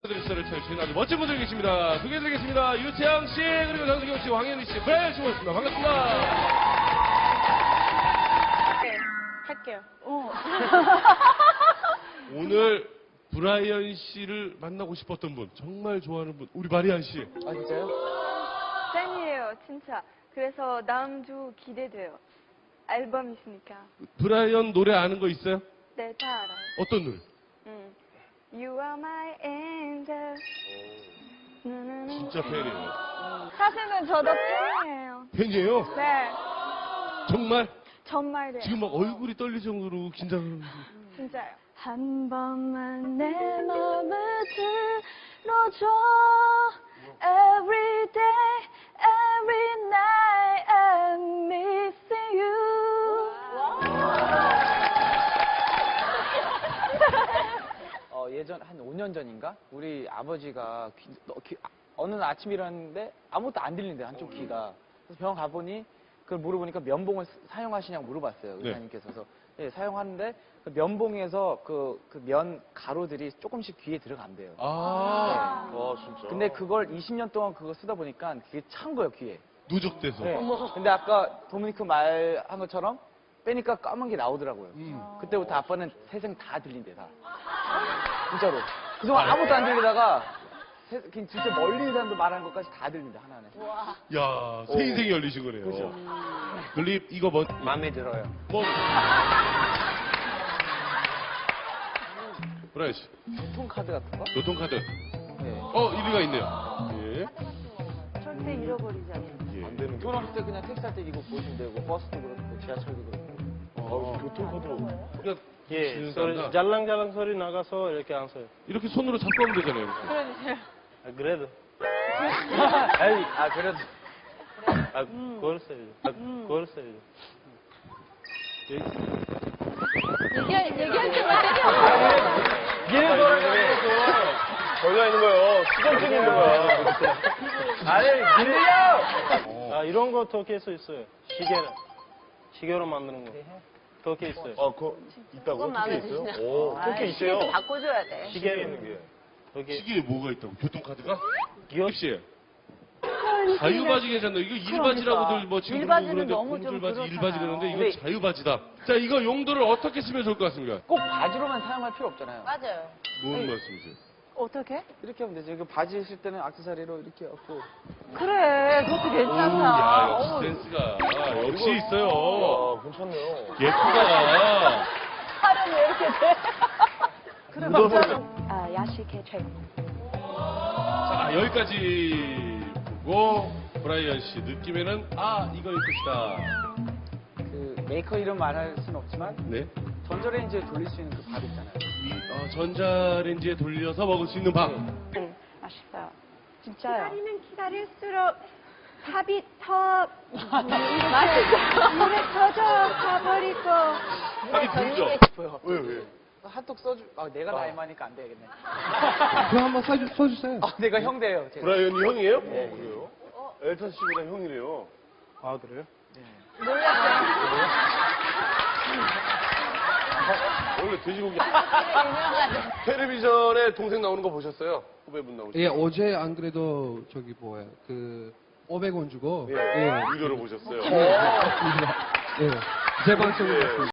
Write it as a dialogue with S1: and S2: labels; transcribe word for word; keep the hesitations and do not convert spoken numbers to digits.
S1: 드리스를 채우신 아주 멋진 분들 계십니다. 소개해 드리겠습니다. 유채영 씨, 그리고 장수경 씨, 황현희 씨, 브라이언 씨 모셨습니다. 반갑습니다.
S2: 네, 할게요. 어.
S1: 오늘 브라이언 씨를 만나고 싶었던 분, 정말 좋아하는 분, 우리 마리안 씨.
S3: 아, 진짜요?
S2: 팬이에요, 진짜. 그래서 다음 주 기대돼요. 앨범 있으니까.
S1: 브라이언 노래 아는 거 있어요?
S2: 네, 다 알아요.
S1: 어떤 노래?
S2: 음. You are my angel. 누누누.
S1: 진짜 팬이에요.
S2: 사실은 저도 팬이에요.
S1: 팬이에요?
S2: 네,
S1: 정말?
S2: 정말이에요.
S1: 지금 막 얼굴이 떨릴 정도로 긴장을.
S2: 진짜요. 한 번만 내 맘을 들어줘. Every day, every night, I'm missing you.
S3: 어, 예전 한 오 년 전인가? 우리 아버지가 귀, 너, 귀, 아, 어느 날 아침 일어났는데 아무것도 안 들린대요, 한쪽 귀가. 그래서 병원 가보니 그걸 물어보니까 면봉을 사- 사용하시냐고 물어봤어요,
S1: 네.
S3: 의사님께서. 그래서 예, 사용하는데 그 면봉에서 그, 그 면 가루들이 조금씩 귀에 들어간대요.
S1: 아,
S4: 아, 진짜.
S3: 근데 그걸 이십 년 동안 그거 쓰다 보니까 그게 찬 거예요, 귀에.
S1: 누적돼서.
S3: 네. 근데 아까 도미니크 말한 것처럼 빼니까 까만 게 나오더라고요.
S1: 음.
S3: 그때부터 아빠는 세상 다 들린대, 다. 진짜로. 그동안 아무것도 안 들리다가 세- 그냥 진짜 멀리 있는 사람도 말하는 것까지 다 들린다, 하나하나.
S1: 야, 새 인생이 열리신 거네요.
S3: 그죠.
S1: 글립, 이거 뭐,
S3: 마음에 들어요.
S1: 뭐. 브라이언 씨,
S3: 교통카드 같은 거?
S1: 교통카드.
S3: 네.
S1: 어, 일리가 있네요. 예.
S2: 절대 잃어버리잖아요.
S1: 예.
S4: 안 되는 게.
S3: 결혼할 때 그냥 택시 탈 때 이거 보시면 되고, 버스도 그렇고, 지하철도 그렇고.
S1: 어,
S4: 교통카드로.
S1: 그냥
S5: 예,
S1: 지는
S5: 소리,
S1: 사람과
S5: 잘랑잘랑 소리 나가서 이렇게 안 써요.
S1: 이렇게 손으로 잡고 하면 되잖아요. 이렇게.
S2: 그러니까요.
S5: 아, 그래도.
S3: 아이, 아, 그래도.
S5: 아, 그걸 써야죠. 아, 그걸 써야죠.
S2: 얘기, 얘기할 때만
S4: 얘는 걸려 있는 거예요. 수정증이 있는 거야.
S3: 아니, 밀려!
S5: 아, 이런 거 터키에 서 있어요. 시계를. 시계로 만드는 거. 터키에 있어요.
S4: 아, 그거 있다고? 토끼 있어요? 오, 토끼 있어요.
S2: 바꿔줘야 돼.
S4: 시계 있는 게.
S5: 터키.
S1: 시계에 뭐가 있다고? 교통카드가?
S5: 기억?
S1: 혹시 자유바지 괜찮나? 이거 일바지라고들 뭐 지금
S2: 일바지는
S1: 그러는데
S2: 너무 좀
S1: 공줄바지,
S2: 그렇잖아요.
S1: 일바지 그러는데 이건
S3: 네.
S1: 자유바지다. 자, 이거 용도를 어떻게 쓰면 좋을 것 같습니까?
S3: 꼭 바지로만 사용할 필요 없잖아요.
S2: 맞아요.
S1: 뭔 말씀이세요?
S2: 어떻게?
S3: 이렇게 하면 되죠. 이거 바지 있을 때는 액세서리로 이렇게 갖고.
S2: 그래, 그것도
S1: 오,
S2: 괜찮다.
S1: 야, 역시
S2: 어우,
S1: 센스가 역시 있어요.
S4: 아, 괜찮네요.
S1: 예쁘다.
S2: 팔은 왜 이렇게 돼? 그래, 맞아. 아, 야식의 최고.
S1: 자, 여기까지 보고 브라이언 씨 느낌에는 아, 이거일 것이다.
S3: 그 메이커 이름 말할 수는 없지만
S1: 네.
S3: 전자레인지에 돌릴 수 있는 그 밥 있잖아요.
S1: 이 어, 전자레인지에 돌려서 먹을 수 있는 밥.
S2: 응, 맛있어요. 진짜요.
S6: 기다리면 기다릴수록 밥이 더 맛있어. 물에 터져 가버리고.
S1: 밥이 불죠?
S3: 싶어요.
S4: 왜, 왜?
S3: 핫도그 써주. 아, 내가 나이 많으니까 안 되겠네.
S7: 그럼 한번 써주, 써주세요.
S3: 아, 내가 형 돼요. 제가.
S4: 브라이언이 형이에요? 네. 그래요? 엘턴 씨보다 형이래요.
S5: 아, 그래요?
S4: 원래 돼지고기. 텔레비전에 동생 나오는 거 보셨어요? 후배분 나오시죠?
S7: 예, 어제 안 그래도 저기 뭐야, 그, 오백 원 주고.
S4: 예.
S7: 예.
S4: 유료로 보셨어요.
S7: 예. 제 방송을 봤습니다.